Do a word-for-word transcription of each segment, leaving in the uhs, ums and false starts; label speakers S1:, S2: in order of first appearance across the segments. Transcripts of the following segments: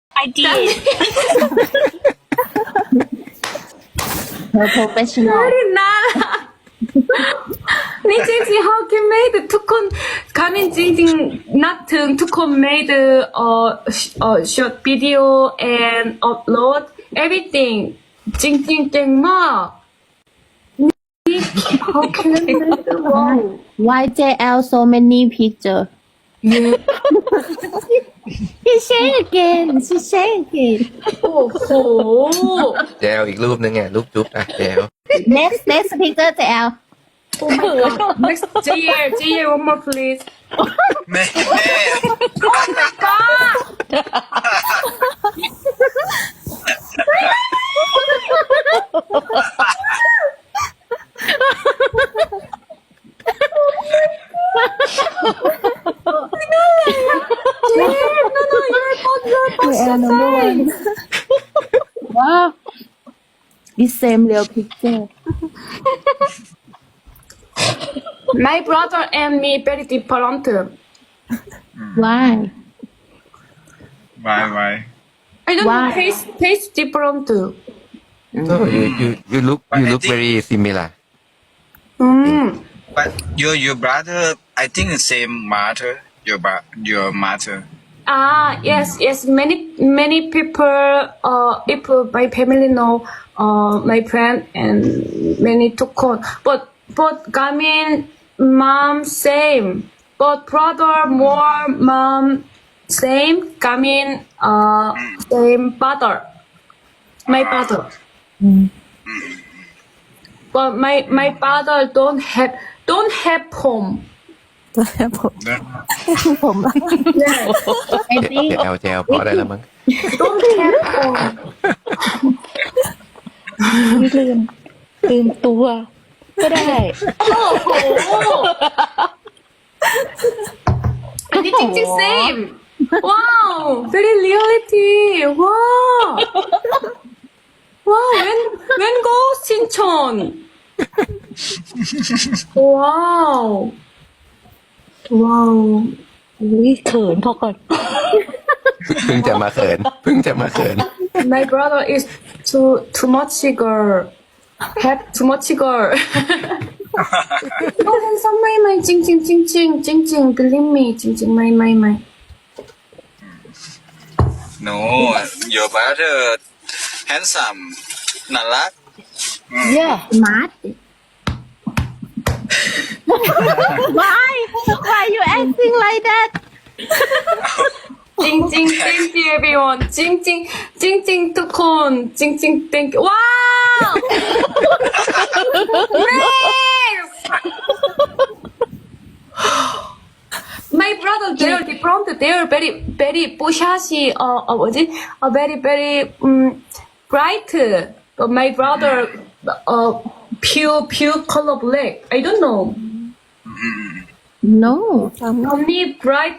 S1: I did.
S2: Her professional
S3: น่ารักนี่จริงๆ how can made ทุกคนคามินจริงๆนับถึงทุกคน made เอ่อเอ่อ short video and upload everything จริงๆเก่งมากนี่ how can made wow
S2: Why เจ แอล so many picture She share again She share again
S3: โอ้โห
S4: แจวอีกรูปนึงไงรูปจุ๊บอ่ะแจว
S2: Next next picture เจ แอล
S3: oh my god next เจเย่เจเย่ one more please
S5: แม่
S3: oh my god
S2: Yeah, number one. Wow. This same real picture.
S3: my brother and me very different
S2: Why?
S5: Why why
S3: I don't
S2: Why?
S3: know taste taste different
S4: so you you you look you look very similar
S3: อืม
S5: but your your brother I think the same mother your bro your mother
S3: Ah, yes, yes. Many, many people, uh, people, my family know, uh, my friend and many took on. But, but Gamin, mom, same. But brother, more, mom, same. Gamin, uh, same father. My father. But my, my father don't have, don't have home.
S2: ผมอะ
S3: Yes,
S2: I think
S4: แจวแจวพอได้แล้วมั้ง
S3: don't have home.
S1: ลืมลืมตัวก็ได้
S3: Anything the same. Wow, very reality. Wow. Wow, when when go Sinchon. Wow. Wow.
S1: อุ้ยเขินพอก่อน
S4: เพิ่งจะมาเขินเพิ่งจะมาเขิน
S3: My brother is too too much girl. Have too much girl. Oh, handsome, my my, jing jing jing jing jing jing. Believe me, jing jing, my my my.
S5: no your brother handsome น่ารัก
S1: yeah
S2: smart Why Why you acting like that
S3: Jing jing, thank you everyone. Jing jing, jing jing to con. Jing jing, thank you. Wow! Nice! My brother, they're different. They're very, very bushy. Uh, uh, what is it? Uh, very, very um, bright. But my brother, uh, pure, pure color black. I don't know.
S2: No
S3: Only bright.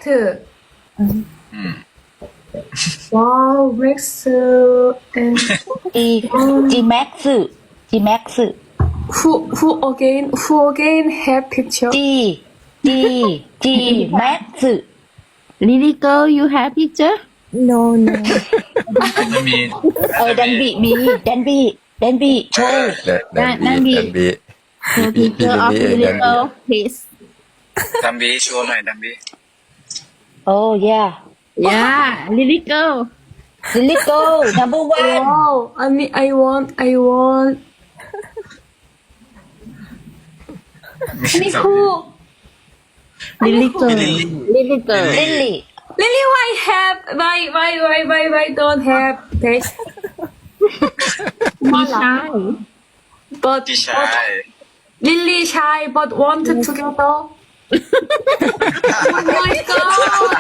S3: Wow, Max uh, and
S1: G G Max G Max
S3: who who again who again have picture?
S1: G G G Max
S2: Lily girl you have picture
S6: No, no.
S5: ไม่มี
S1: เออดันบีมีดันบีดันบีโชว์
S4: ดันดันบีดันบี
S2: The picture of
S4: พี่
S2: Lily
S4: ดันบี
S2: girl please
S5: ดัมบีโชว์หน่อยดัมบี
S1: โอ้ yeah
S2: Yeah Lily girl
S1: Lily go number one
S3: Wow, I mean I want I want. Me who?
S2: Lily girl Lily girl
S1: Lily
S3: Lily, why have why why why why why don't have face?
S2: Be shy
S3: But
S5: พี่ชาย
S3: Lily shy but want together. Oh my god!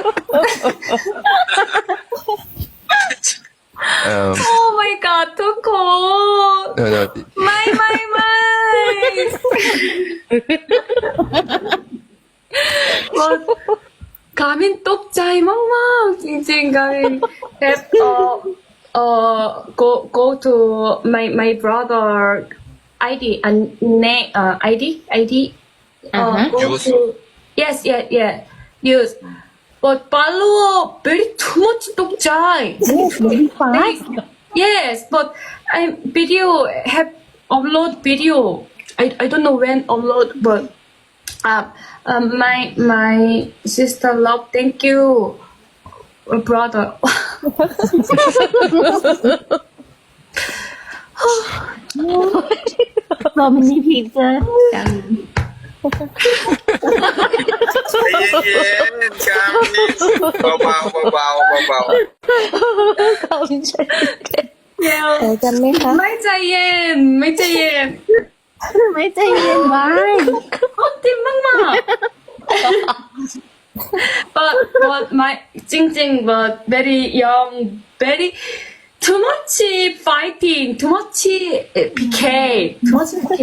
S4: เอ่อ
S3: Oh my god, ทุกคน
S4: เดี๋ยวเดี๋ยว
S3: ไม่ไม่ไม่ว่ากามินตกใจมากๆจริงๆกามินแอบเอ่อเอ่อ go go to my my brother ไอ ดี อันเนเอ่อ ไอ ดี ไอ ดี เอ่อ
S2: Uh-huh.
S3: go
S5: Use.
S3: to yes yes yes use but follow very too much dog jai.
S2: very fast
S3: Yes, but I video have upload video. I I don't know when upload, but uh, um, my my sister love. Thank you, uh, brother.
S2: so many picture
S5: ใจเย็นๆกามินเบาๆเบาๆเบา
S1: เขาไม่ใช่
S2: เออกันไหมคะ
S3: ไม่ใจเย็นไม่ใจเย็น
S2: ไม่ใจเย็นไว้
S3: โอ้ติมากมาก but but my จริงๆ but very young very too much fighting too much PK too much PK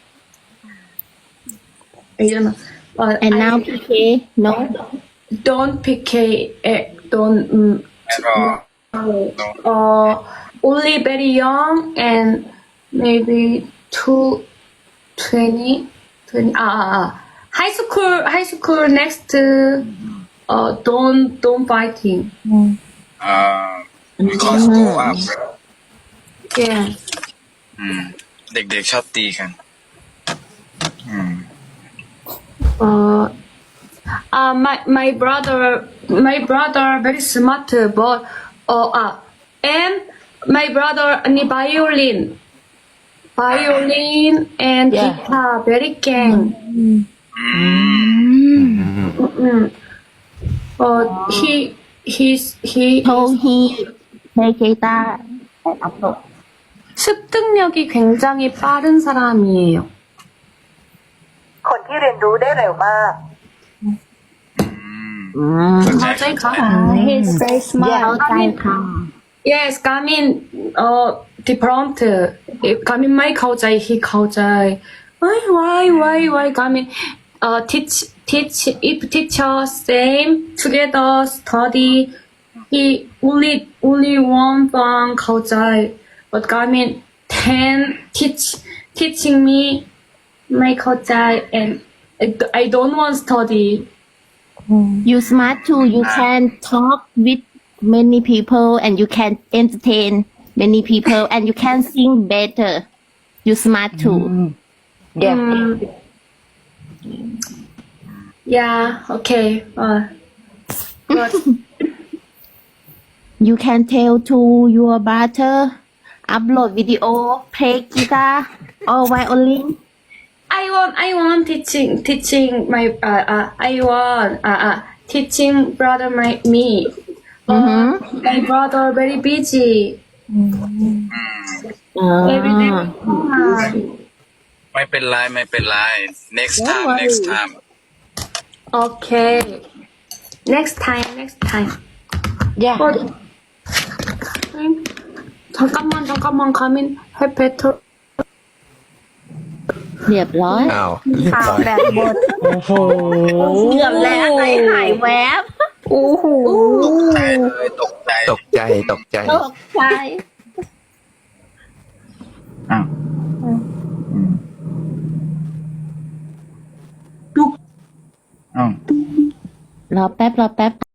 S3: I don't know but
S2: and
S3: I
S2: now พี เค no
S3: don't PK eh, don't mm,
S5: ๆแล้วก็
S3: uh only very young and maybe two twenty twenty ah, ah, ah. high school high school next uh don't don't fighting
S5: อ่า because go up
S3: yeah
S5: อืมเด็กๆชอบตีกันอืม
S3: uh uh my my brother my brother very smart but uh, uh and my brother any violin violin and
S1: Yeah.
S3: guitar very gang mm. but he he's he
S2: told he play guitar and upload
S3: 습득력이 굉장히 빠른 사람이에요.
S6: คนที่เรียนรู้ได้เร็วมาก
S3: 갑자기 가.
S1: he's very
S2: เข้า
S1: smart
S2: ใจค่ะ
S3: Yes, Gamin, uh, different. Gamin, my 가오자이, he 가오자이. Why, why, why, why, Gamin? Uh, teach, teach, if teacher same together study, he only, only one thing 가오자이. But Gamin, ten teach, teaching me, my 가오자이, and I, I don't want study.
S2: you smart too you can talk with many people and you can entertain many people and you can sing better you smart too
S3: Mm. Yeah, okay. Uh, but
S2: you can tell to your brother upload video play guitar or violin
S3: I want, I want teaching, teaching my, uh, uh, I want, uh, uh, teaching brother my, me. Uh, my brother very busy.
S2: อ๋อ
S3: Every day. Uh,
S5: ไม่เป็นไรไม่เป็นไร next time next time
S3: okay. Next time, next time.
S1: yeah
S3: But, 잠깐만, 잠깐만, 가민, have better.
S2: เรียบร้อย
S4: อ้าวเรียบร้อย
S2: แบบบทโอ้โหเกือบแล้วใจหายแวบโอ้โห
S5: ตกใจเลยตกใจ
S4: ตกใจตกใจ
S2: ตกใจ
S5: อ้าวอ้าว
S2: รอแป๊บรอแป๊บ